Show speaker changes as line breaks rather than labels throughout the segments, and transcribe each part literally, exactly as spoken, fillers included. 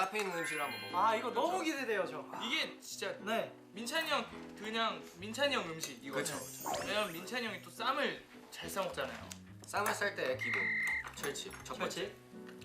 앞에 있는 음식을 한번 먹어.
아 이거 너무 기대돼요 저.
이게 진짜
네.
민찬이 형 그냥 민찬이 형 음식 이거.
그쵸.
왜냐면 민찬이 형이 또 쌈을 잘 싸먹잖아요.
쌈을 쌀 때 기본 철치 첫 번째.
철치.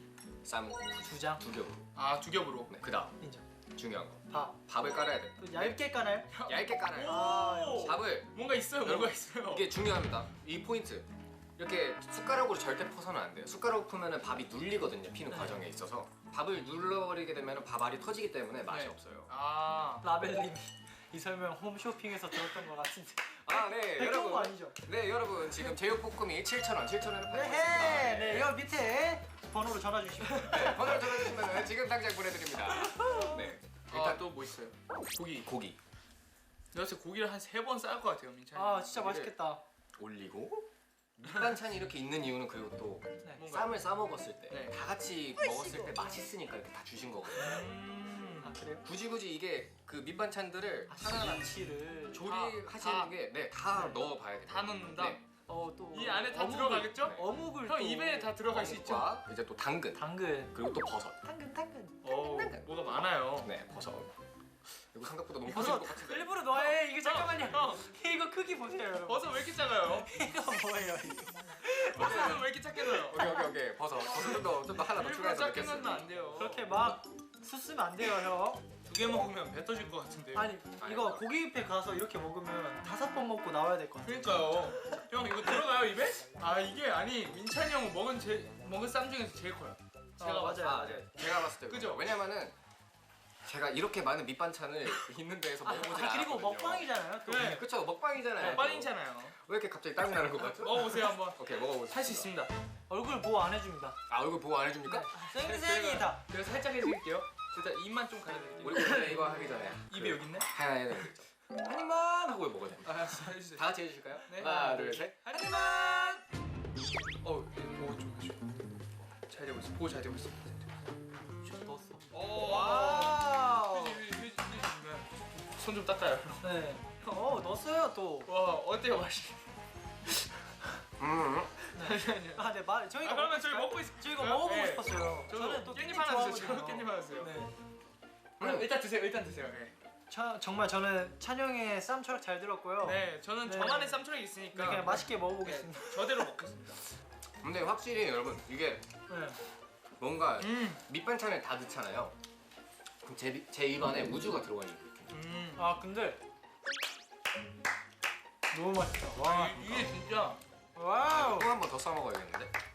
쌈
두장.
두 겹.
아 두 겹으로.
네, 그다음
인정.
중요한 거.
밥.
밥을 깔아야 돼.
또 얇게 까나요?
얇게 깔아요.
아,
오!
밥을
뭔가 있어요.
여러분,
뭔가 있어요.
이게 중요합니다. 이 포인트. 이렇게 숟가락으로 절대 퍼서는 안 돼요. 숟가락 풀면은 밥이 눌리거든요. 피는
네.
과정에 있어서 밥을 눌러버리게 되면 밥알이 터지기 때문에 맛이
네.
없어요.
아.
라벨님이 이 설명 홈쇼핑에서 들었던 것 같은데.
아, 네,
백종원
여러분.
아니죠?
네, 여러분 지금 제육볶음이 칠천 원, 칠천 원을 팔고
네,
있습니다.
네, 이거 밑에 번호로 전화 주시면.
네, 번호를 전화주시면 지금 당장 보내드립니다. 네,
일단
일단
또 뭐 있어요? 고기.
고기
내가 진짜 고기를 한 세 번 쌀 것 같아요, 민찬이.
아 진짜 맛있겠다.
올리고 밑반찬이 이렇게 있는 이유는 그리고 또
네.
뭔가-
쌈을 싸 먹었을 때 다
네.
같이 먹었을 때 맛있으니까 이렇게 다 주신 거거든요.
음.
아 그래요?
굳이 굳이 이게 그 밑반찬들을
아,
하나하나
김치를
조리하시는
다-
게 네, 다
네.
넣어봐야 돼요.
다 넣는다.
네.
어또
이 안에 다 들어가겠죠?
네.
어묵을
형
또
입에 다 들어갈 수 있죠?
어묵과 이제 또 당근
당근.
그리고 또 버섯.
당근 당근.
어, 뭐가 많아요.
네, 버섯. 이거 생각보다 너무
버섯
커질 것 같은데.
일부러 넣어요. 이거 잠깐만요.
형.
이거 크기 보세요 여러분.
버섯 왜 이렇게 작아요?
이거 뭐예요 이거?
버섯은 왜 이렇게 작게 넣어요?
오케이 오케이 오케이 버섯. 버섯 좀더 좀 더 하나 더
일부러
추가해서
작게 넣으면
넣겠습니다.
안 돼요.
그렇게 막 수쓰면 안 돼요 형.
두 개 먹으면 배 터질 것 같은데요.
아니
아니,
이거
아니.
고기뷔페 가서 이렇게 먹으면 다섯 번 먹고 나와야 될 것 같아.
그러니까요. 형 이거 들어가요 입에? 아 이게 아니 민찬이 형 먹은 제 먹은 쌈 중에서 제일 커요. 제가
아,
봤을
맞아요.
때.
아, 네. 제가 봤을 때
그죠?
왜냐면은 제가 이렇게 많은 밑반찬을 있는 데에서
아,
먹어보지
아,
않았거든요.
그리고 먹방이잖아요. 또.
네.
그쵸 먹방이잖아요.
먹방이잖아요.
왜 이렇게 갑자기 땀이 나는 것 같죠?
먹어보세요 한번.
오케이 먹어보세요.
할 수 있습니다.
얼굴 보호 안 해줍니다.
아 얼굴 보호 안 해줍니까?
생생이다.
그래서 살짝 해드릴게요. 일단 입만 좀 가려드릴게요.
우리 원래 이거 하기 전에
입이 여기 있네?
하나 해야 되는 거 있죠. 한 입만 하고 먹어야 됩니다.
알았어 해주세요.
다 같이 해주실까요?
네.
하나 둘 셋.
한 입만. 어, 보고 좀 해줘. 잘 되고 있어. 보고 잘 되고 있어.
좀 넣었어.
오,
와우.
휴지 휴지 휴지 주시면 손 좀 닦아요.
네. 어 넣었어요 또.
와 어때요 맛이?
음.
잠시만요.
아, 네, 말 저희가
아 그러면
먹고
저희
싶어요?
먹고 있.
저 이거 먹어보고
네.
싶었어요.
저도
저는 또
깻잎
깻잎
하나 주세요.
좋아하거든요.
저도 깻잎 하나 주세요.
네.
음.
일단 드세요. 일단 드세요. 네.
차, 정말 저는 찬영의 쌈 철학 잘 들었고요.
네, 저는
네.
저만의 쌈초락이 있으니까
네, 그냥 맛있게
네,
먹어보겠습니다.
저대로 먹겠습니다.
근데 확실히 여러분 이게
네.
뭔가
음,
밑반찬을 다 넣잖아요. 그럼 제, 미- 제 입안에 우주가 들어가 있는 느낌.
음.
아 근데 너무 맛있다.
와
와.
이- 이게 진짜
와우.
또 한 번 더 싸 먹어야겠는데.